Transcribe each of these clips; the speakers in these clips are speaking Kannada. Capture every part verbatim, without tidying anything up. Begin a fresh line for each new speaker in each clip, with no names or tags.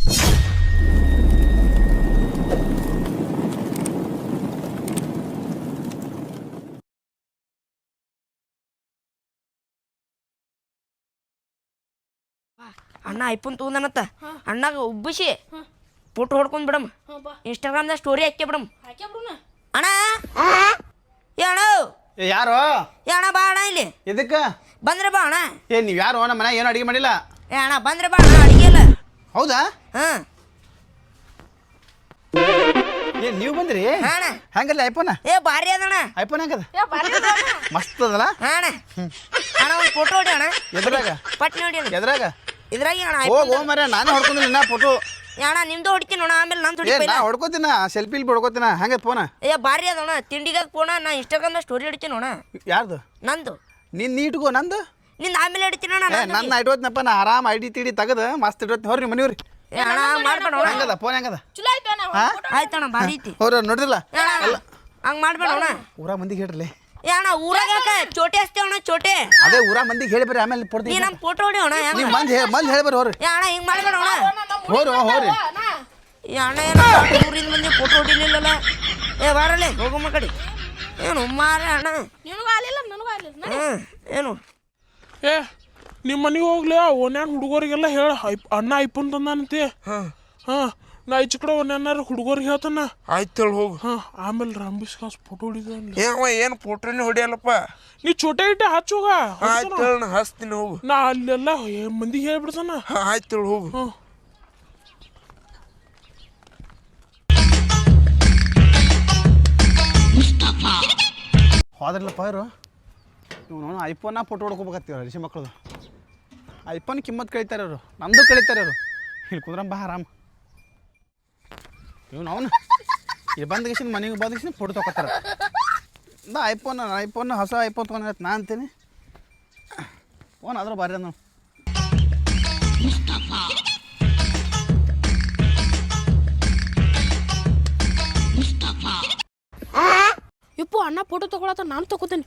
ಅಣ್ಣ ಐಫೋನ್ ತೊಗೊಂಡನತ್ತ ಅಣ್ಣಾಗ ಉಬ್ಬಿಸಿ ಫೋಟೋ ಹೊಡ್ಕೊಂಡ್ ಬಿಡಮ್ ಇನ್ಸ್ಟಾಗ್ರಾಮ್ದಾಗ ಸ್ಟೋರಿ ಹಾಕಿ ಬಿಡಮ್ ಅಣ್ಣ ಏ ಅಣ್ಣ
ಯಾರು
ಏ ಅಣ್ಣ ಬಾ ಅಣ್ಣ ಇಲ್ಲಿ
ಇದಕ್ಕ
ಬಂದ್ರೆ ಬಾ ಅಣ್ಣ
ಏ ನೀವು ಯಾರು ನಮ್ಮ ಮನೆ ಏನು ಅಡಿಗೆ ಮಾಡಿಲ್ಲ
ಏ ಅಣ್ಣ ಬಂದ್ರೆ ಬಾ ಅಣ್ಣ ಅಡಿಗೆ ಇಲ್ಲ
ಹೌದಾ
ಹಾಂ
ಏ ನೀವು ಬಂದ್ರಿ
ಅಣ್ಣ
ಹೆಂಗಲ್ಲ ಐಫೋನ್
ಏ ಭಾರಿ ಅದಣ್ಣ
ಐಫೋನ್ ಹೆಂಗದ ಮಸ್ತ್ ಅದಲ್ಲ
ಅಣ್ಣ ಅಣ್ಣ ಒಂದು ಫೋಟೋ ಹೊಡಿ ಅಣ್ಣ
ಎದ್ರಾಗ
ಪಟ್ ನೋಡಿ ಅಣ್ಣ
ಎದ್ರಾಗ
ಇದ್ರಾಗ ಅಣ್ಣ
ಹೋಗ್ ಹೋಗ್ ಮರ ನಾನು ಹೊಡ್ಕೊಂಡಿಲ್ಲ ನಾ ಫೋಟೋ
ಅಣ್ಣ ನಿಮ್ದು ಹೊಡಿತೀನಿ ಅಣ್ಣ ಆಮೇಲೆ ನಂದು
ಏ
ಹೊಡಿತೀನಿ
ನಾ ಹೊಡ್ಕೋತೀನ ಸೆಲ್ಫಿ ಇಲ್ಲಿ ಹೊಡ್ಕೋತೀನ ಹೆಂಗೆ ಫೋನ
ಏ ಭಾರಿ ಅದಣ್ಣ ತಿಂಡಿಗೆ ಫೋನ ನಾ ಇನ್ಸ್ಟಾಗ್ರಾಮ್ದಾಗ ಸ್ಟೋರಿ ಹೊಡಿತೀನಿ ಅಣ್ಣ
ಯಾರ್ದು
ನಂದು
ನೀನ್ ನೀಟ್ಗೋ ನಂದು
ನಿಂದು ಆಮೇಲೆ ಹೊಡಿತೀನಿ ಅಣ್ಣ
ಏ ನನ್ನ ಇಟ್ಕೋತೀನಪ್ಪ ನಾ ಆರಾಮ್ ಐಡಿ ತಿಡಿ ತೆಗದು ಮಸ್ತ್ ಇಟ್ಕೋತೀನಿ ಹೊರ್ರಿ ಮನೆಯವ್ರಿ
ಏ ಅಣ್ಣ ಮಾಡ್ಬೇಡ ಅಣ್ಣ
ಹೆಂಗದ ಫೋನ್ ಹೆಂಗದ
ಆಯ್ತಣ್ಣ ಭಾರಿ ಐತಿ
ಅವ್ರ ನೋಡಿದಿಲ್ಲ
ಹಂಗೆ ಮಾಡ್ಬೇಡ ಅಣ್ಣ
ಊರ ಮಂದಿಗೆ ಹೇಳ್ರಲಿ
ಏ ಅಣ್ಣ ಊರಾಗ ಯಾಕೆ ಚೋಟೆ ಹಚ್ತೇವ ಅಣ್ಣ ಚೋಟೆ
ಅದೇ ಊರ ಮಂದಿಗೆ ಹೇಳಿ ಬರ್ರಿ ಆಮೇಲೆ
ನೀ
ಕೊಡ್ತೀನಿ
ನಮ್ಮ ಫೋಟೋ ಹೊಡಿ ಅಣ್ಣ
ನೀವು ಮಂದಿ ಹೇ ಮಂದಿ ಹೇಳಿ ಬರ್ರಿ ಹೋರಿ
ಏ ಅಣ್ಣ ಹಿಂಗೆ ಮಾಡ್ಬೇಡ ಅಣ್ಣ
ಹೋರಿ ಹೋರಿ
ಏ ಅಣ್ಣ ಏನು ಊರಿಂದ ಮಂದಿ ಫೋಟೋ ಹೊಡಿಲಿಲ್ಲಲ್ಲ ಏ ಬಾರಲ್ಲೇ ಹೋಗಮ್ಮ ಕಡೆ ಏನು ಮಾರೇ ಅಣ್ಣ ಹ್ಞೂ ಏನು
ಏ ನಿಮ್ಮ ಮನೆಗೆ ಹೋಗ್ಲಿ ಓನ್ಯಾನ ಹುಡುಗರಿಗೆಲ್ಲ ಹೇಳ ಅಣ್ಣ ಐಫೋನ್ ತಂದಾನಂತೆ ಹಾಂ ನಾ ಈಚೆ ಕಡೆ ಒನ್ಯಾನಾರ ಹುಡುಗರಿಗೆ ಹೇಳ್ತಾನ
ಆಯ್ತು ಹೇಳಿ ಹೋಗು.
ಹಾಂ ಆಮೇಲೆ ರಾಂಬಿಸ್ ಕಾಸ್ ಫೋಟೋ ಹೊಡಿದ
ಏವ ಏನು ಫೋಟೋನೇ ಹೊಡಿಯಲ್ಲಪ್ಪ.
ನೀ ಚೋಟೆ ಇಟ್ಟೆ ಹಚ್ಚೋಗ
ಆಯ್ತು ಹೇಳಿ ನಾ ಹಚ್ತೀನಿ ಹೋಗು.
ನಾ ಅಲ್ಲೆಲ್ಲ ಮಂದಿಗೆ ಹೇಳ್ಬಿಡ್ತಾನ.
ಆಯ್ತು ಹೇಳಿ ಹೋಗು.
ಹಾಂ
ಹೋದ್ರಲ್ಲಪ್ಪ ಇವರು ಇವ್ ನಾನು ಐಫೋನ ಫೋಟೋ ಹೊಡ್ಕೋಬೇಕತ್ತೀವ ರಿಷಿ ಮಕ್ಕಳದು ಐಫೋನ್ ಕಿಮ್ಮತ್ ಕಳೀತಾರೆ ಅವರು ನಮ್ಮದು ಕಳೀತಾರೆ ಅವರು ಇಲ್ಲಿ ಕುದ್ರಂಬ ಆರಾಮ್ ಇವ್ನು ಅವನು ಇಲ್ಲಿ ಬಂದ ಗಿಸಿನ ಮನೆಗೆ ಬಂದ ಗಿಸಿನ ಫೋಟೋ ತೊಗೋತಾರೆ ನಾ ಐಫೋನ್ ಐಫೋನ್ ಹೊಸ ಐಫೋನ್ ತೊಗೊಂಡು ನಾ ಅಂತೀನಿ ಫೋನ್ ಆದ್ರೂ ಬಾರಿ ನಾವು
ಯಪ್ಪು ಅಣ್ಣ ಫೋಟೋ ತಗೊಳತ್ತ ನಾನು ತಗೋತೀನಿ.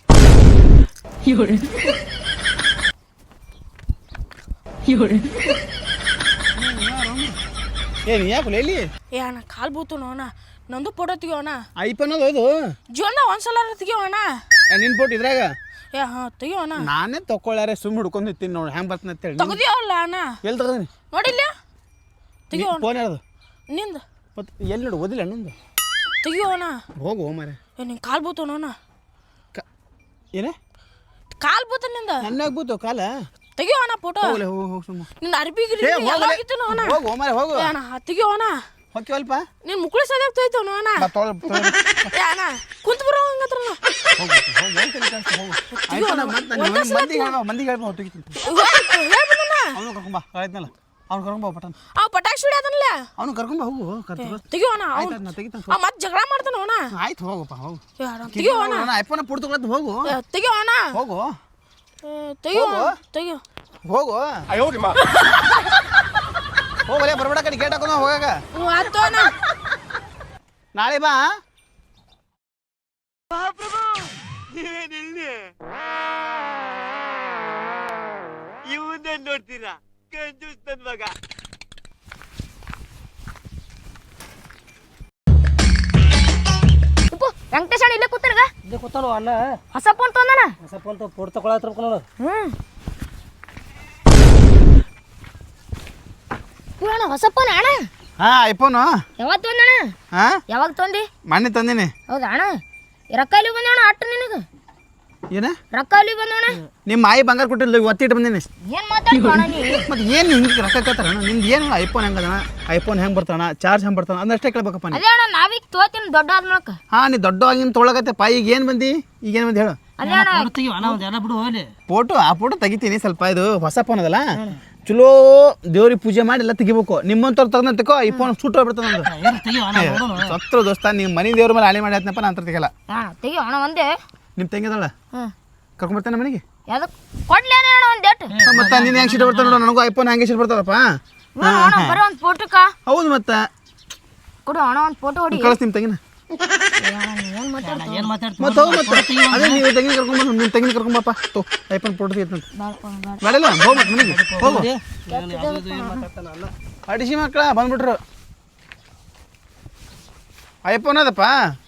ಏನು ಯಾಕೆ ಎಲ್ಲಿ
ಏ ಅಣ್ಣ ಕಾಲ್ ಬೂತು ಅಣ್ಣ ನಂದು ಫೋಟೋ ತೆಗಿಯೋಣ.
ಐಫೋನ್ ಅದು ಅದು
ಜೀವನ ಒಂದ್ಸಲ ತೆಗಿಯೋಣ.
ನಿನ್ನ ಫೋಟೋ ಇದ್ರಾಗ
ಏ ಹಾ ತೆಗಿಯೋಣ.
ನಾನೇ ತಗೊಳ್ಳಾರೆ ಸುಮ್ಮನೆ ಹುಡ್ಕೊಂಡು ಇರ್ತೀನಿ ನೋಡಿ ಹೆಂಗೆ ಬರ್ತೀನಿ ಅಂತೇಳಿ
ತಗದಿಯವಲ್ಲ ಅಣ್ಣ
ಎಲ್ಲಿ ತಗೋದಿನಿ
ನೋಡಿಲ್ಲ ತೆಗಿಯೋಣ.
ಫೋನ್ ಯಾರ್ದು
ನಿಂದ
ಮತ್ತು ಎಲ್ಲಿ ನೋಡು ಓದಿಲ್ಲ ನಿಂದು
ತೆಗಿಯೋಣ.
ಹೋಗು ಮಾರೆ
ಏ ನಿಂಗೆ ಕಾಲ್ ಬೂತು ಅಣ್ಣ
ಕ ಏನೇ
ಕಾಲ್ ಬೂತ ನಿಂದ
ನನ್ನಾಗ ಬೂತು ಕಾಲ
ತೆಗಿಯೋಣ ಫೋಟೋ.
ಹೋಗ್ಲೆ ಹೋಗು ಹೋಗು ಸುಮ್ಮ
ನಿಂದ ಅರ್ಬಿ ಗಿರಿ ಎಲ್ಲ ಆಗಿತ್ತು ಅಣ್ಣ.
ಹೋಗು ಮಾರೆ ಹೋಗು
ಏ ಅಣ್ಣ ತೆಗಿಯೋಣ.
ಹೋಗ್ತೀವಲ್ಪ
ನಿನ್ ಮುಕ್ಳಿ ಸದ್ಯಾಗ ತೊಯ್ತು ಅಣ್ಣ.
ಬಾ ತೊಳೆ ತೊಳೆ
ಏ ಅಣ್ಣ ಕುಂತ ಬರೋ ಹಂಗತ್ರ
ಹೋಗು ಹೋಗು ಏನು ತಲೆ ಕಾಣಿಸ್ತು ಹೋಗು ಆಯ್ತು ಮತ್ತೆ ನಾನು ಮಂದಿಗೆ ಹೇಳ್ಬಾ ಮಂದಿಗೆ ಹೇಳ್ಬಾ ತೆಗಿತೀನಿ
ಹೇಳ್ಬಿಡಣ್ಣ.
ಅವನು ಕರ್ಕೊಂಬಾ ಆಯ್ತನಲ್ಲ ಅವ್ನು ಕರ್ಕೊಂಬಾ ಪಟನ್
ಆ ಪಟಾಕ್ಷಿ ಹೊಡ್ಯಾದನಲ್ಲ
ಅವನು ಕರ್ಕೊಂಬಾ ಹೋಗು ಕರ್ಕೊಂಡು
ತೆಗಿಯೋಣ.
ಆಯ್ತು ನಾ ತೆಗಿತಾನೆ
ಆ ಮತ್ತೆ ಜಗಳ ಮಾಡ್ತಾನ ಅವನ.
ಆಯ್ತು ಹೋಗಪ್ಪ ಹೋಗು
ತೆಗಿಯೋಣ
ಐಫೋನ್ ಪುಡ್ ತಗೊಳತ್ತು ಹೋಗು
ತೆಗಿಯೋಣ
ಹೋಗು
ತೆಗಿಯೋ ತೆಗಿಯೋ
ಹೋಗು ಹೋಗಲೇ ಬರ್ಬೇಡ ಕಡೆ ಗೇಟ್ ಹಾಕೋಣ ಹೋಗಾಗ
ಆಯ್ತು ಅಣ್ಣ.
ನಾಳೆ ಬಾ
ಇವನ್ನೇ ನೋಡ್ತೀರಾ ಕಂಜೂಸ್ ನನ್ ಮಗ.
ವೆಂಕಟೇಶ್ ಅಣ್ಣ ಇಲ್ಲೇ ಕೂತಾನಗ
ಇಲ್ಲೇ ಕೂತಾನು ಅಣ್ಣ.
ಹೊಸ ಫೋನ್ ತೊಂದನ.
ಹೊಸ ಫೋನ್ ಫೋಟೋ ತಗೊಳತ್ರ ನೋಡು.
ಹ್ಮ್ ಅಣ್ಣ ಹೊಸ ಫೋನ್ ಅಣ್ಣ.
ಹಾ ಐಫೋನು
ಯಾವಾಗ ತೊಂದಣ್ಣ?
ಹಾ
ಯಾವಾಗ ತೊಂದಿ?
ಮೊನ್ನೆ ತಂದಿನಿ.
ಹೌದಾ ಅಣ್ಣ? ರೊಕ್ಕ ಇಲ್ಲಿ ಬಂದವಣ ಅಟ್ಟು ನಿನಗ
ಏನ
ರೊಕ್ಕ ಇಲ್ಲಿ ಬಂದವಣ?
ನಿಮ್ಮ ಮಾಯಿ ಬಂಗಾರ ಕೊಟ್ಟಿಲ್ಲ ಒತ್ತಿಟ್ಟು ಬಂದೀನಿ.
ಏನ್ ಮಾತಾಡ್ತಾಣ ನೀ?
ಮತ್ತೆ ಏನು ಹಿಂಗೆ ರೊಕ್ಕ ಕೇಳ್ತಾರಣ ನಿಮ್ದು ಏನು ಐಫೋನ್ ಹೆಂಗದಣ ಐಫೋನ್ ಹೆಂಗೆ ಬರ್ತಾನ ಚಾರ್ಜ್ ಹೆಂಗೆ ಬರ್ತಾನ ಅದಷ್ಟೇ ಕೇಳ್ಬೇಕಪ್ಪ ನೀ.
ಅದೇ ಅಣ್ಣ ನಾವೀಗ ತೋತೀನಿ ದೊಡ್ಡ ಆದ್ಮಳಕ.
ಹಾ ನೀ ದೊಡ್ಡ ಆಗಿನ ತೊಗೊಳಕತ್ತೆಪ್ಪ ಈಗ ಏನು ಬಂದಿ ಈಗ ಏನು ಬಂದು ಹೇಳು.
ಅದೇ ಅಣ್ಣ
ಫೋಟೋ ತೆಗಿವ ಅಣ್ಣ ಒಂದು ಎಲ್ಲ ಬಿಡು ಹೋಗ್ಲಿ.
ಫೋಟೋ ಆ ಫೋಟೋ ತೆಗಿತೀನಿ ಸ್ವಲ್ಪ ಇದು ಹೊಸ ಫೋನ್ ಅದಲ್ಲ ಚಲೋ ದೇವ್ರಿಗೆ ಪೂಜೆ ಮಾಡಿ ಎಲ್ಲ ತೆಗಿಬೇಕು ನಿಮ್ಮಂತವ್ರು ತಗೊಂಡಂತಕೋ ಈ ಫೋನ್ ಸುಟ್ಟು ಹೋಗ್ಬಿಡ್ತದೆ ನಂದು.
ಏನು ತೆಗಿವ ಅಣ್ಣ ನೋಡೋಣ.
ಸತ್ರು ದೋಸ್ತ ನಿಮ್ಮ ಮನೆ ದೇವ್ರ ಮೇಲೆ ಹಾಳಿ ಮಾಡಿ ಆಯ್ತನಪ್ಪ ನಾನು ಅಂತ ತೆಗಿಯಲ್ಲ.
ಅಣ್ಣ ತೆಗಿಯೋ ಅಣ್ಣ ಒಂದೇ.
ನಿಮ್ಮ ತಂಗಿದಳ
ಹ್ಮ್
ಕರ್ಕೊಂಬರ್ತಾನೆ ಮನೆಗೆ
ಯಾವ್ದಕ್ ಕೊಡ್ಲಿ ಅಣ್ಣ ಒಂದು ಡೇಟ್.
ಮತ್ತೆ ನೀನು ಹೆಂಗೆ ಸಿಟ್ಟು ಬರ್ತಾನೆ ನೋಡು ನನಗೂ ಐಫೋನ್ ಹಂಗೆ ಸಿಟ್ಟು ಬರ್ತಾರಪ್ಪ.
ಅಣ್ಣ ಬರೋ ಒಂದು ಫೋಟೋಕ್ಕ
ಹೌದು ಮತ್ತೆ
ಕೊಡು ಅಣ್ಣ ಒಂದು ಫೋಟೋ ಹೊಡಿ.
ಕಳಿಸ್ ನಿಮ್ಮ ತಂಗಿನ
ಏನು ಮಾತಾಡ್ತೀನಿ
ಏನು ಮಾತಾಡ್ತೀನಿ
ಮತ್ತೆ ಹೋಗು ಮತ್ತೆ ಅದೇ ನೀವು ತಂಗಿನ ಕರ್ಕೊಂಬ ನಿಮ್ಮ ತಂಗಿನ ಕರ್ಕೊಂಬಪ್ಪ ತೋ ಐಫೋನ್ ಫೋಟೋ ತೆಗಿತಂತ ಬೇಡಲ್ಲ ಹೋಗು ಮತ್ತೆ ಮನೆಗೆ ಹೋಗು.
ಏನು ಮಾತಾಡ್ತಾನ ಅಲ್ಲ
ಅಡಿಸಿ ಮಕ್ಕಳ ಬಂದ್ಬಿಟ್ರು. ಐಫೋನ್ ಅದಪ್ಪ.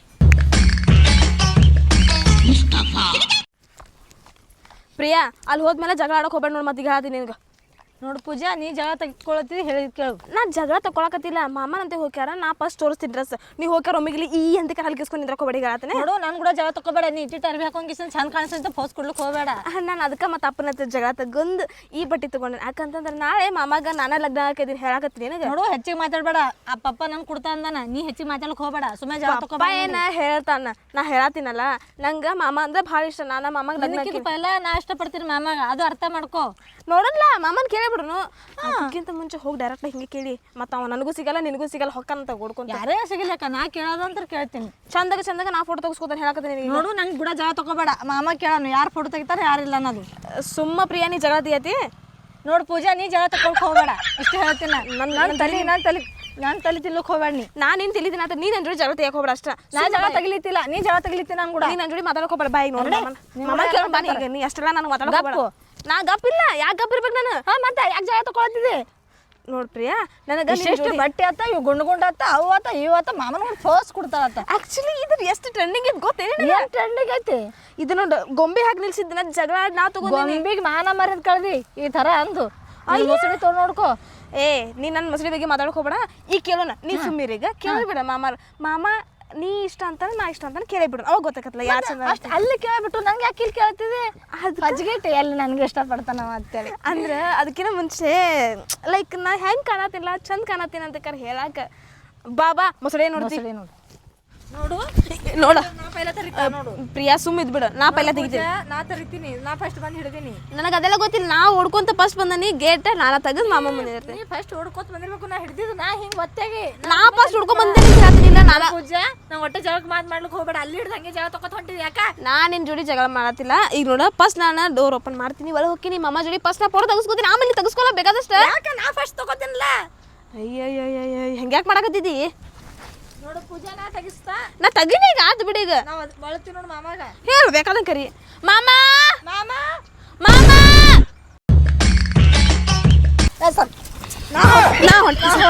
ಪ್ರಿಯಾ ಅಲ್ಲಿ ಹೋದ್ಮೇಲೆ ಜಗಳ ಆಡೋಕೆ ಹೋಗ್ಬೇಡ ನೋಡಿ, ಮತ್ತೆ ಈಗ ಹೇಳ್ತೀನಿ ನಿನ್ಗೆ.
ನೋಡು ಪೂಜಾ, ನೀ ಜಗಳ ತೆಗೆದುಕೊಳತ್ತಿ ಹೇಳಿದ್ ಕೇಳು.
ನಾ ಜಗಳ ತಗೊಳಕತ್ತಿಲ್ಲ, ಮಾಮನಂತೆ ಹೋಗ್ಯಾರ, ನಾ ಫಸ್ಟ್ ತೋರಿಸ್ತೀನಿ ಡ್ರೆಸ್. ನೀವು ಹೋಗ್ಯಾರ ಒಮ್ಮಿಗ್ಲಿ ಈ ಅಂತ ಹಲ್ಕಿಸ್ಕೊಂಡು ನಿಂದ್ರಕ್ಕೆ ಹೋಗ್ಬೇಡಿ ಹೇಳತ್ತೇನೆ.
ನೋಡು ನಾನು ಕೂಡ ಜಗಳ ತಗೋಬೇಡ, ನೀ ಇಟ್ಟಿಟ್ಟು ಅರ್ಬಿ ಹಾಕೊಂಗಿಸ್ ಚಂದ ಕಾಣಿಸ್ತಂತ ಪೋಸ್ ಕೊಡ್ಲಿಕ್ಕೆ ಹೋಗಬೇಡ.
ನಾನು ಅದಕ್ಕೆ ಮತ್ತೆ ಅಪ್ಪನ ಹತ್ರ ಜಗಳ ತಗೊಂಡು ಈ ಬಟ್ಟೆ ತೊಗೊಂಡೆ. ಯಾಕಂತಂದ್ರೆ ನಾಳೆ ಮಾಮಾಗ ನಾನೇ ಲಗ್ನ ಹಾಕಿದ್ದೀನಿ ಹೇಳಕತ್ತೀನಿ ನನಗೆ.
ನೋಡು ಹೆಚ್ಚಿಗೆ ಮಾತಾಡ್ಬೇಡ, ಆ ಪಪ್ಪ ನನ್ ಕೊಡ್ತಾ ಅಂದಾನ, ನೀ ಹೆಚ್ಚಿಗೆ ಮಾತಾಡಕ್ ಹೋಗಬೇಡ, ಸುಮ್ಮನೆ ಜಗಳ
ಪಪ್ಪ
ತಗೋಬೇಡ.
ಏನ ಹೇಳ್ತಾನ, ನಾ ಹೇಳತ್ತೀನಲ್ಲ ನಂಗೆ ಮಾಮ ಅಂದ್ರೆ ಭಾಳ ಇಷ್ಟ. ನಾನು ಮಾಮಾಗ ಲಗ್ನ ಹಾಕಿ
ಪೈಲ ನಾ ಇಷ್ಟಪಡ್ತೀನಿ ಮಾಮಾಗ, ಅದು ಅರ್ಥ ಮಾಡ್ಕೋ.
ನೋಡಲ್ಲ ಮಾಮನ್ ಕೇಳಿಬಿಡ್ನು, ಅದಕ್ಕಿಂತ ಮುಂಚೆ ಹೋಗಿ ಡೈರೆಕ್ಟ್ ಹಿಂಗೆ ಕೇಳಿ, ಮತ್ತೆ ಅವ ನನಗೂ ಸಿಗಲ್ಲ ನಿನಗೂ ಸಿಗಲ್ಲ ಹೊಕ್ಕಂತ ಓಡ್ಕೊಂತ.
ಯಾರೇ ಸಿಗಲಿಕ್ಕ ನಾ ಕೇಳೋದಂತ ಕೇಳ್ತೀನಿ.
ಚಂದಾಗ ಚಂದಾಗ ನಾ ಫೋಟೋ ತೆಗಿಸ್ಕೊತಾನೆ ಹೇಳಕತ್ತೀನಿ.
ನೋಡು ನಂಗೆ ಕೂಡ ಜಗಳ ತಗೋಬೇಡ, ಮಾಮ ಕೇಳೋನು ಯಾರು ಫೋಟೋ ತೆಗಿತಾರೆ ಯಾರಿಲ್ಲ ಅನ್ನೋದು.
ಸುಮ್ಮ ಪ್ರಿಯಾ ನೀ ಜಗಳ ತೆಗಿಯತಿ.
ನೋಡು ಪೂಜಾ, ನೀ ಜಗಳ ತಗೊಳಕ್ ಹೋಗಬೇಡ, ಇಷ್ಟ ಹೇಳ್ತೀನಿ. ನನ್ನ ನನ್ನ ತಲೆ ನಾನು ತಲೆ ನಾನು ತಲೆ ತಿನ್ಲಕ್ ಹೋಗ್ಬೇಡ. ನೀ
ನಾನು ನಿನ್ ತಿಳಿದಿನ ನೀ ನನ್ನ ಜೋಡಿ ಜಗಳ ತೆಗಿಯಕ್ ಹೋಗ್ಬೇಡ ಅಷ್ಟ.
ನಾ ಜಗಳ ತಗಲಿತಿಲ್ಲ, ನೀ ಜಗಳ ತಗಲಿತಿ ನಾನು ಕೂಡ.
ನೀ ನನ್ನ ಜೋಡಿ ಮಾತಾಡಕ್ ಹೋಗ್ಬೇಡ. ಬಾಯಿ ನೋಡಿ ಮಾಮ ಕೇಳ ಬಾ, ಈಗ ನೀ ಅಷ್ಟೆಲ್ಲ ನಾನು ಮಾತಾಡಕ್ ಹೋಗ್ಬೇಡ. ನಾ ಗಪ್ಪಿಲ್ಲ, ಯಾಕೆ ಗಪ್ಪಿರ್ಬೇಕು ನಾನು?
ಹಾ ಮತ್ತೆ ಯಾಕೆ ಜಗಳ ತಗೊಳತಿದ್ದೆ?
ನೋಡ್ ಪ್ರಿಯಾ, ನನಗೆ
ಎಷ್ಟು ಬಟ್ಟೆ ಆತ, ಇವು ಗುಂಡು ಗುಂಡ ಆತ, ಅವು ಆತ ಇವು ಆತ, ಮಾಮನ ಒಂದು ಫೋಸ್ ಕೊಡ್ತಾರತ್ತ.
ಆಕ್ಚುಲಿ ಇದ್ರ ಎಷ್ಟು ಟ್ರೆಂಡಿಂಗ್ ಇದ್ ಗೊತ್ತೇನೆ?
ಏನ್ ಟ್ರೆಂಡಿಂಗ್ ಐತಿ
ಇದು ನೋಡು, ಗೊಂಬೆ ಹಾಕಿ ನಿಲ್ಸಿದ್ದನ ಜಗಳ ಆಡಿ ನಾ ತಗೊಂಡಿನಿ.
ಗೊಂಬಿಗೆ ಮಾನ ಮರ್ಯಾದ ಕಳ್ದಿ ಈ ತರ ಅಂದು ಮೊಸಳಿ ತೊಗೊಂಡು ನೋಡ್ಕೋ.
ಏ ನೀ ನನ್ನ ಮೊಸಳಿ ಬಗ್ಗೆ ಮಾತಾಡಕ್ ಹೋಗ್ಬೇಡ. ಈಗ ಕೇಳೋಣ, ನೀ ಸುಮ್ಮೀರಿ. ಈಗ ಕೇಳಿಬಿಡ ಮಾಮ ಮಾಮ ನೀ ಇಷ್ಟ ಅಂತಾನೆ ನಾ ಇಷ್ಟ ಅಂತಾನೆ ಕೇಳಿಬಿಡು, ಅವಾಗ ಗೊತ್ತಾಗತ್ತಲ್ಲ ಯಾರು ಚಂದ.
ಅಷ್ಟು ಅಲ್ಲಿ ಕೇಳ್ಬಿಟ್ಟು ನಂಗೆ ಯಾಕೆ ಇಲ್ಲಿ ಕೇಳ್ತಿದ್ದೆ? ಅದು ಅಜ್ಜಿಗೆಟ್ಟೆ ಎಲ್ಲಿ ನನಗೆ ಇಷ್ಟಪಡ್ತಾನ ಅಂತೇಳಿ.
ಅಂದ್ರೆ ಅದಕ್ಕಿಂತ ಮುಂಚೆ ಲೈಕ್ ನಾ ಹೆಂಗೆ ಕಾಣತ್ತಿಲ್ಲ ಚಂದ ಕಾಣತ್ತೀನಿ ಅಂತ ಕರ್ ಹೇಳಾಕ. ಬಾಬಾ ಮೊಸಳೆ ನೋಡ್ತೀವಿ
ನೋಡು ನೋಡು
ನೋಡ
ನಾ ಪೈಲ ತರಿತಾ ನೋಡು.
ಪ್ರಿಯಾ ಸುಮ್ಮ ಇದ್ಬಿಡು, ನಾ ಪೈಲ ತೆಗಿತೀನಿ.
ನಾ ತರಿತೀನಿ, ನಾ ಫಸ್ಟ್ ಬಂದು ಹಿಡಿದೀನಿ.
ನನಗೆ ಅದೆಲ್ಲ ಗೊತ್ತಿಲ್ಲ, ನಾ ಓಡ್ಕೊಂತ ಫಸ್ಟ್ ಬಂದನಿ ಗೇಟ್ ನಾನ ತೆಗೆದು ಮಾಮ ಮುಂದೆ ಇರ್ತೀನಿ.
ನೀ ಫಸ್ಟ್ ಓಡ್ಕೋತ ಬಂದಿರ್ಬೇಕು, ನಾ ಹಿಡಿದಿದ್ದು ನಾ ಹಿಂಗೆ ಒತ್ತಾಗಿ
ನಾ ಫಸ್ಟ್ ಹುಡ್ಕೊಂಡ್ ಬಂದೆ ಹೇಳ್ತೀನಿಲ್ಲ. ನಾನು
ಪೂಜಾ ನಾ ಒಟ್ಟೆ ಜಗಳಕ್ಕೆ ಮಾತು ಮಾಡ್ಲಿಕ್ಕೆ ಹೋಗ್ಬೇಡ, ಅಲ್ಲಿ ಹಿಡ್ದು ಹಂಗೆ ಜಗಳ ತಗೋತ ಹೊಂಟಿದ್ದೆ ಯಾಕ?
ನಾ ನಿನ್ ಜೋಡಿ ಜಗಳ ಮಾಡತ್ತಿಲ್ಲ. ಈಗ ನೋಡ ಫಸ್ಟ್ ನಾನು ಡೋರ್ ಓಪನ್ ಮಾಡ್ತೀನಿ, ಒಳಗೆ ಹೋಗ್ತೀನಿ, ಮಾಮ ಜೋಡಿ ಫಸ್ಟ್ ನಾ ಫೋಟೋ ತೆಗಿಸ್ಕೊತೀನಿ, ಆಮೇಲೆ ತೆಗಿಸ್ಕೊಲ್ಲ ಬೇಕಾದಷ್ಟ.
ಯಾಕೆ ನಾ ಫಸ್ಟ್ ತಗೋತೀನಿಲ್ಲ?
ಅಯ್ಯಯ್ಯಯ್ಯ ಹೆಂಗ್ಯಾಕೆ ಮಾಡಕತ್ತಿದ್ದಿ?
ನೋಡು ಪೂಜಾ, ನಾ ತೆಗಿಸ್ತಾ
ನಾ ತಗಿನಿ ಈಗ ಆತು ಬಿಡಿ. ಈಗ
ನಾವು ಬಳಸ್ತೀವಿ ನೋಡು ಮಾಮಾಗ.
ಹೇಳು ಬೇಕಾದಂಗೆ ಕರಿ. ಮಾಮ
ಮಾಮ
ಮಾಮ
ಸರ್
ನಾ ಹೊಂಟ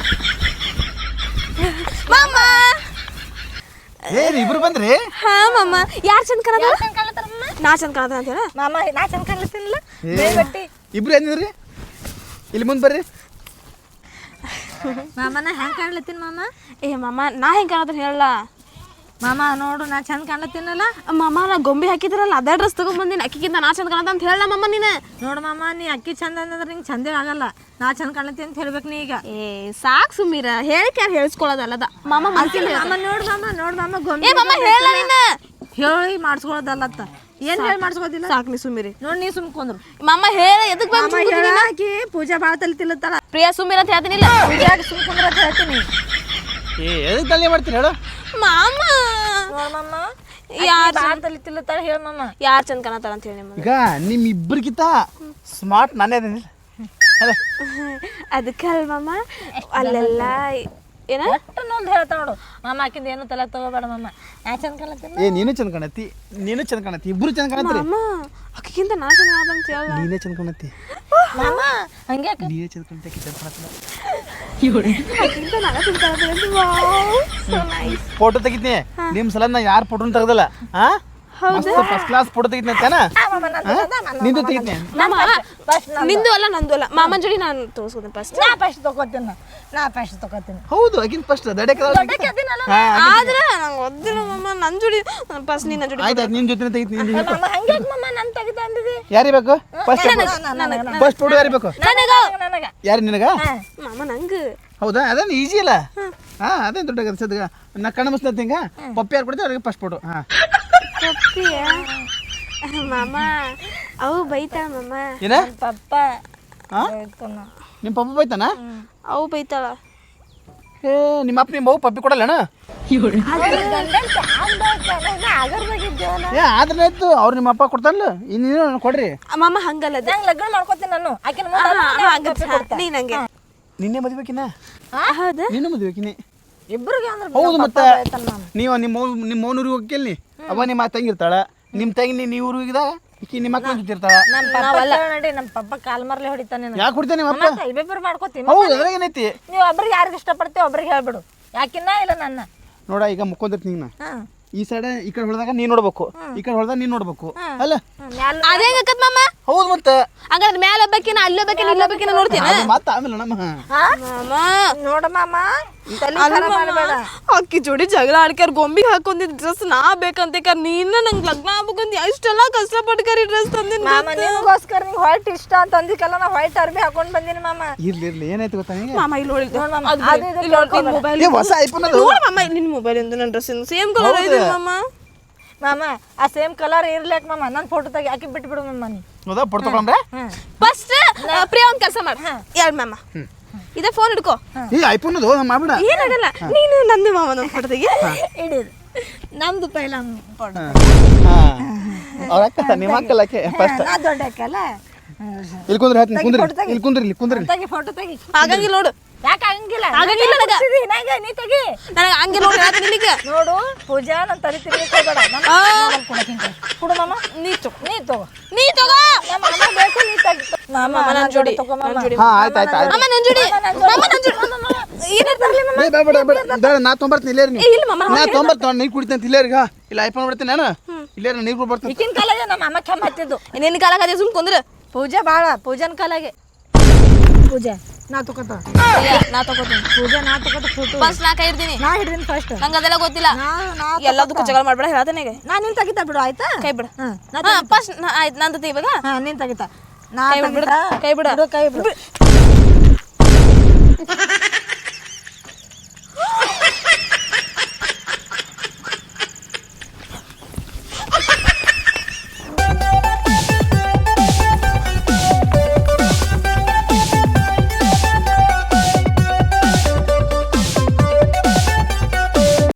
ಮಾಮ.
ಏನು ಇಬ್ರು ಬಂದ್ರಿ?
ಹಾ ಮಾಮ, ಯಾರು ಚಂದ ಕಾಣದ?
ಚಂದ ಕಾಣ್ತಾರಮ್ಮ.
ನಾ ಚಂದ ಕಾಣದ ಅಂತ ಹೇಳ
ಮಾಮ, ನಾ ಚಂದ ಕಾಣ್ಲತ್ತೀನಿಲ್ಲ ಬೇಗಟ್ಟಿ.
ಇಬ್ರು ಏನಿದ್ರಿ? ಇಲ್ಲಿ ಮುಂದೆ ಬರ್ರಿ.
ಮಾಮ ನಾ ಹೆಂಗೆ ಕಾಣ್ಲತ್ತೀನಿ ಮಾಮ?
ಏ ಮಾಮ ನಾ ಹೆಂಗೆ ಕಾಣದ ಹೇಳಲ್ಲ.
ಮಾಮ ನೋಡು ನಾ ಚಂದ ಕಾಣ್ಲತ್ತೀನಲ್ಲ.
ಮಾಮ ನಾ ಗೊಂಬೆ ಹಾಕಿದ್ರಲ್ಲ ಅದೇ ಡ್ರೆಸ್ ತಗೊಂಡ್ಬಂದಿನಿ, ಅಕ್ಕಿಗಿಂತ ನಾ ಚಂದ ಕಾಣದ ಅಂತ ಹೇಳ ಮಾಮ ನೀನು.
ನೋಡು ಮಾಮ, ನೀ ಅಕ್ಕಿ ಚಂದ ಅಂದ್ರೆ ನಿಂಗೆ ಚಂದೇ ಆಗಲ್ಲ, ನಾ ಚಂದ ಕಾಣ್ಲತ್ತೀನಿ ಅಂತ ಹೇಳ್ಬೇಕು ನೀ ಈಗ.
ಏ ಸಾಕು ಸುಮ್ಮೀರ, ಹೇಳಿಕೆ ಯಾರು ಹೇಳಿಸ್ಕೊಳ್ಳೋದಲ್ಲದ ಮಾಮ.
ಮಾಮ ನೋಡು ಮಾಮ, ನೋಡು ಮಾಮ ಗೊಂಬೆ
ಏ ಮಾಮ ಹೇಳ ನೀನು,
ಹೇಳಿ ಮಾಡಿಸ್ಕೊಳ್ಳೋದಲ್ಲತ್ತ. ಏನು ಹೇಳಿ ಮಾಡಿಸ್ಕೋದಿಲ್ಲ?
ಸಾಕು ನೀ ಸುಮ್ಮೀರಿ.
ನೋಡಿ ನೀ ಸುಮ್ಕೊಂಡ್ರು.
ಮಾಮ ಹೇಳ ಎದಕ್
ಹಾಕಿ ಪೂಜಾ ಭಾಳ ತಲೆ ತಿಲ್ಲತ್ತಾಳ.
ಪ್ರಿಯಾ ಸುಮ್ಮೀರ ಅಂತ ಹೇಳ್ತೀನಿಲ್ಲ.
ಪೂಜಾಗೆ ಸುಮ್ಕೊಂಡ್ರ ಅಂತ ಹೇಳ್ತೀನಿ.
ಏ ಎದಕ್ಕೆ ತಲೆ ಮಾಡ್ತೀನಿ ಹೇಳು?
ಮಾಮ
ನೋಡು ಮಾಮ,
ಯಾರು
ಭಾಳ ತಲೆ ತಿಲ್ಲತ್ತಾಳ, ಹೇಳು ಮಾಮ.
ಯಾರು ಚಂದ ಕಾಣತಾರ ಅಂತ ಹೇಳಿ ನಿಮ್ಮದು.
ಈಗ ನಿಮ್ಮ ಇಬ್ಬರಿಗಿಂತ ಸ್ಮಾರ್ಟ್ ನಾನೇ ಅದೇನಿಲ್ಲ ಅದೇ
ಅದಕ್ಕೆ ಅಲ್ಲ ಮಾಮ, ಅಲ್ಲೆಲ್ಲ ಏನ
ಒಟ್ಟು ನೋಡ್ದು ಹೇಳ್ತಾ ನೋಡು ಮಾಮ, ಆಕಿಂದ ಏನು ತಲೆ ತಗೋಬೇಡ ಮಾಮ, ನಾ ಚಂದ ಕಾಣ್ಲತ್ತೀನಿ.
ಏ ನೀನು ಚಂದ ಕಾಣತ್ತಿ, ನೀನು ಚಂದ ಕಾಣತ್ತಿ, ಇಬ್ರು ಚಂದ ಕಾಣತ್ರಿ.
ಮಾಮ ಅಕ್ಕಿಗಿಂತ ನಾ ಚಂದ ಕಾಣದ ಅಂತ ಹೇಳ.
ನೀನೇ ಚಂದ ಕಾಣತ್ತಿ,
ಮಾಮ ಹಂಗೆ
ನೀನೇ ಚಂದ ಕಾಣತ್ತಿ, ಆಕಿ ಚಂದ ಕಾಣತ್ತಿಲ್ಲ.
ಅಕ್ಕಿಗಿಂತ ನಾ ಚಂದ ಕಾಣದ. Wow so nice.
ಫೋಟೋ ತೆಗಿತೀನಿ ನಿಮ್ಮ ಸಲ ನಾ ಯಾರು ಫೋಟೋನ ತೆಗ್ದಲ್ಲ. ಹಾ ಫಸ್ಟ್ ಕ್ಲಾಸ್ ಫೋಟೋ ತೆಗಿತೀನಿ ಅಂತಾನ, ನಿಂದು ತೆಗಿತೀನಿ.
ಮಾಮ ನಿಂದು ಅಲ್ಲ ನಂದು ಅಲ್ಲ, ಮಾಮನ ಜೋಡಿ ನಾನು ತೋರಿಸ್ಕೊತೀನಿ ಫಸ್ಟ್.
ನಾ ಫಸ್ಟ್ ತಗೋತೀನಿ, ನಾ ಫಸ್ಟ್ ತಗೋತೀನಿ.
ಹೌದು ಆಕಿನ ಫಸ್ಟ್ ದಡಕ್ಕೆ
ಆದ್ರೆ ನಂಗೆ ಒದ್ದಿಲ್ಲ ಮಾಮ, ನನ್ನ ಜೋಡಿ ಫಸ್ಟ್ ನಿನ್ನ ಜೋಡಿ.
ಆಯ್ತು ನಿನ್ನ ಜೊತೆ ತೆಗಿತೀನಿ.
ಮಾಮ ಹಂಗೆ ಮಾಮ, ನಾನು ತೆಗಿತಾ ಅಂದಿದ್ದಿ.
ಯಾರಿಗೆ ಬೇಕು ಫಸ್ಟ್ ಫಸ್ಟ್ ಫೋಟೋ ಯಾರಿಗೆ ಬೇಕು?
ನನಗ
ಯಾರು ನಿನಗ?
ಮಾಮ ನಂಗೆ
ಹೌದಾ? ಅದೇನು ಈಜಿ ಅಲ್ಲ. ಹಾ ಅದೇನು ದೊಡ್ಡ ಸದ್ಗ ನಾ ಕಣ್ಣು ಮುಸ್ತ ಹಿಂಗ ಪಪ್ಪಿ ಯಾರು ಕೊಡ್ತೀವಿ ಅವ್ರಿಗೆ ಫಸ್ಟ್ ಫೋಟೋ. ಹಾ
ಪಪ್ಪಿಯ ಮಾಮ ಅವು ಬೈತಾಳ ಮಾಮ.
ಏನ
ಪಪ್ಪ
ಹಾ ನಿಮ್ಮ ಪಪ್ಪ ಬೈತಾನ?
ಅವು ಬೈತಾಳ.
ಏ ನಿಮ್ಮ ಅಪ್ಪ ನಿಮ್ಮ ಅವ್ವ ಪಪ್ಪಿ ಕೊಡಲ್ಲಣ್ಣ? ಏ ಆದ್ರೆ ಆಯ್ತು, ಅವ್ರು ನಿಮ್ಮ ಅಪ್ಪ ಕೊಡ್ತಾನಲ್ಲ, ಇನ್ನೇನು ಕೊಡ್ರಿ.
ಮಾಮ ಹಂಗಲ್ಲ ಅದು.
ನಂಗೆ ಲಗ್ನ ಮಾಡ್ಕೊತೀನಿ ನಾನು, ಆಕಿನ
ನೀ ನಂಗೆ
ನಿನ್ನೆ ಮದ್ಬೇಕಿನ?
ಹೌದಾ?
ನಿನ್ನ ಮದ್ಬೇಕಿನಿ
ಇಬ್ಬರಿಗೆ ಅಂದ್ರೆ
ಹೌದು. ಮತ್ತೆ ನೀವು ನಿಮ್ಮ ನಿಮ್ಮ ಮೌನೂರಿಗೆ ಹೋಗಿ ಕೇಳಿ, ಅವ ನಿಮ್ಮ ತಂಗಿ ಇರ್ತಾಳ, ನಿಮ್ಮ ತಂಗಿ ನೀವು ಊರಿಗೆ ಹೋಗಿದಾಗ ಈಕಿ ನಿಮ್ಮ ಮಕ್ಳು ಜೊತಿರ್ತಾಳ
ನಮ್ಮ ಪಪ್ಪ ನೋಡಿ ನಮ್ಮ ಪಪ್ಪ ಕಾಲ್ ಮರ್ಲೆ ಹೊಡಿತಾನೆ
ಯಾಕೆ ಕುಡ್ತೇನೆ ನಿಮ್ಮ ಅಪ್ಪ
ಇಬ್ಬಿಬ್ರು ಮಾಡ್ಕೋತೀವಿ
ಹೌದು ಅದ್ರಾಗ ಏನೈತಿ
ನೀವು ಒಬ್ರಿಗೆ ಯಾರಿಗೆ ಇಷ್ಟಪಡ್ತೀವಿ ಒಬ್ರಿಗೆ ಹೇಳ್ಬಿಡು ಯಾಕಿನ್ನ ಇಲ್ಲ ನನ್ನ
ನೋಡ ಈಗ ಮುಕ್ಕೊಂದಿರ್ತೀನಿ ನಾ
ಹಾಂ
ಈ ಸೈಡ್ ಈ ಕಡೆ ಹೊಡೆದಾಗ ನೀನ್ ನೋಡ್ಬೇಕು ಈ ಕಡೆ ಹೊಡೆದಾಗ ನೀನ್ ನೋಡ್ಬೇಕು ಅಲ್ಲ
ಅದೇ ಹೆಂಗಕ್ಕತ್ ಮಾಮ
ಹೌದು ಮತ್ತೆ
ಹಂಗಾದ್ರೆ ಮ್ಯಾಲ ಒಬ್ಬಕಿನ ಅಲ್ಲಿ ಒಬ್ಬಕಿನ ಇಲ್ಲಿ ಒಬ್ಬಕಿನ ನೋಡ್ತೀನಿ
ಅದು ಮತ್ತೆ ಆಮೇಲೆ ನಮ್ಮ
ಮಾಮ
ನೋಡ ಮಾಮ ತಲೆ ಖರಾಬ್ ಮಾಡ್ಬೇಡ
ಅಕ್ಕಿ ಜೋಡಿ ಜಗಳ ಆಡ್ಕ್ಯಾರ ಗೊಂಬಿಗೆ ಹಾಕೊಂಡಿದ್ ಡ್ರೆಸ್ ನಾ ಬೇಕಂತ ಕರ್ ನೀನ ನಂಗೆ ಲಗ್ನ ಆಗ್ಬೇಕಂತ ಇಷ್ಟೆಲ್ಲ ಕಷ್ಟಪಟ್ಕರಿ ಡ್ರೆಸ್ ತಂದಿನ
ಮಾಮ ನಿನಗೋಸ್ಕರ ನಿಂಗೆ ವೈಟ್ ಇಷ್ಟ ಅಂತ ಅಂದಿಕಲ್ಲ ನಾ ವೈಟ್ ಅರ್ಬಿ ಹಾಕೊಂಡ್ ಬಂದಿನಿ ಮಾಮ
ಇರ್ಲಿ ಇರ್ಲಿ ಏನಾಯ್ತು ಗೊತ್ತಾ ನಿಂಗೆ
ಮಾಮ ಇಲ್ಲಿ ನೋಡಿ
ನೋಡ್ ಮಾಮ ಅದು ಇದು
ಮೊಬೈಲ್
ಏ ಹೊಸ ಐಫೋನ್ ಅದು
ನೋಡ ಮಾಮ ನಿನ್ ಮೊಬೈಲ್ ಇಂದ ನನ್ನ ಡ್ರೆಸ್ ಸೇಮ್ ಕಲರ್ ಇದೆ ಮಾಮ
ಮಾಮ ಆ ಸೇಮ್ ಕಲರ್ ಇರ್ಲಿಕ್ ಮಾಮ ನನ್ನ ಫೋಟೋ ತೆಗಿ ಹಾಕಿ ಬಿಟ್ಬಿಡು ಮಾಮ ನೀ
ಹೌದಾ ಪಡ್ ತಗೊಂಡ್ರೆ
ಫಸ್ಟ್ ಪ್ರಿಯ ಒಂದ್ ಕೆಲಸ ಮಾಡ ಯಾರು ಮಾಮ ಇದೇ ಫೋನ್ ಹಿಡ್ಕೋ
ಈ ಐಫೋನ್ ಅದು ಮಾಡ್ಬಿಡ
ಏನಾಗಲ್ಲ ನೀನು ನಂದು ಮಾಮ ನನ್ನ ಫೋಟೋ ತೆಗಿ
ಹಿಡಿದು ನಮ್ದು ಪೈಲ ಫೋಟೋ
ಅವ್ರ ಅಕ್ಕ ನಿಮ್ಮ ಅಕ್ಕಲ್ಲಕ್ಕೆ ಫಸ್ಟ್
ನಾ ದೊಡ್ಡ ಅಕ್ಕಲ್ಲ
ಇಲ್ಲಿ ಕುಂದ್ರಿ ಹೇಳ್ತೀನಿ ಕುಂದ್ರಿ ಇಲ್ಲಿ ಕುಂದ್ರಿ ಇಲ್ಲಿ ಕುಂದ್ರಿ
ತೆಗಿ ಫೋಟೋ ತೆಗಿ
ಆಗಂಗಿಲ್ಲ ನೋಡು
ಯಾಕೆ ಆಗಂಗಿಲ್ಲ
ಆಗಂಗಿಲ್ಲ ನನಗ.
ನಂಗೆ ನೀ ತೆಗಿ
ನನಗೆ ಹಂಗೆ ನೋಡಿ ಹೇಳ್ತೀನಿ ನಿನಗೆ
ನೋಡು ಪೂಜಾ ನನ್ನ ತಲೆ ತಿರ್ಲಿಕ್ಕೆ ಹೋಗಬೇಡ ನಾನು ಕೊಡಕ್ಕಿಂತ ಕೊಡು ಮಾಮ
ನೀ ತಗೋ
ನೀ ತಗೋ
ನೀ ತಗೋ
ನಮ್ಮ ಮಾಮ ಬೇಕು ನೀ ತೆಗಿ ಮಾಮ
ಮಾಮ ನನ್ನ ಜೋಡಿ
ತಗೋ ಮಾಮ
ಹಾ ಆಯ್ತು ಆಯ್ತು ಆಯ್ತು
ಮಾಮ ನನ್ನ ಜೋಡಿ ಮಾಮ ನನ್ನ ಜೋಡಿ ಏನಿರ್ತಾರಲಿ ಮಾಮ
ಏ ಬೇಡ ಬೇಡ ಬೇಡ ಬೇಡ ನಾ ತೊಂಬರ್ತೀನಿ ಇಲ್ಲೇ ನೀವು
ಇಲ್ಲ ಮಾಮ
ನಾ ತೊಂಬರ್ತೀನಿ ನೀರು ಕುಡಿತೀನಿ ಇಲ್ಲೇರಿಗ ಇಲ್ಲ ಐಫೋನ್ ಬಿಡ್ತೀನಿ ನಾನು ಇಲ್ಲೇ ನೀರು ಕೂಡ ಬರ್ತೀನಿ
ಈಗಿನ ಕಾಲಾಗೆ ನಮ್ಮ ಅಮ್ಮ ಕೆಮ್ಮ ಹತ್ತಿದ್ದು
ನಿನ್ನ ಕಾಲ ಕದೆ ಸುಮ್ ಕುಂದ್ರ
ಪೂಜಾ ಭಾಳ ಪೂಜಾನ ಕಾಲಾಗೆ ಪೂಜಾ ನಾ ತಗೋತ
ನಾ ತಗೋತೀನಿ
ಪೂಜಾ ನಾ ತಗೋತ ಫೋಟೋ
ಫಸ್ಟ್ ನಾ ಕೈ ಇರ್ತೀನಿ
ನಾ ಹಿಡಿದೀನಿ ಫಸ್ಟ್
ನಂಗೆ ಅದೆಲ್ಲ ಗೊತ್ತಿಲ್ಲ
ನಾ ನಾ
ಎಲ್ಲದಕ್ಕೂ ಜಗಳ ಮಾಡ್ಬೇಡ ಹೇಳ್ತಾನೆ
ನಾ ನಿನ್ ತೆಗಿತಾ ಬಿಡು ಆಯ್ತಾ
ಕೈ ಬಿಡು
ಹಾ ನಾ
ಹಾ ಫಸ್ಟ್ ಆಯ್ತು ನಂದು ಇವಾಗ
ಹಾ ನೀನ್ ತೆಗಿತಾ ನಾ
ಕೈ ಬಿಡು
ತೆಗಿತಾ
ಕೈ ಬಿಡು
ಬಿಡು ಕೈ ಬಿಡು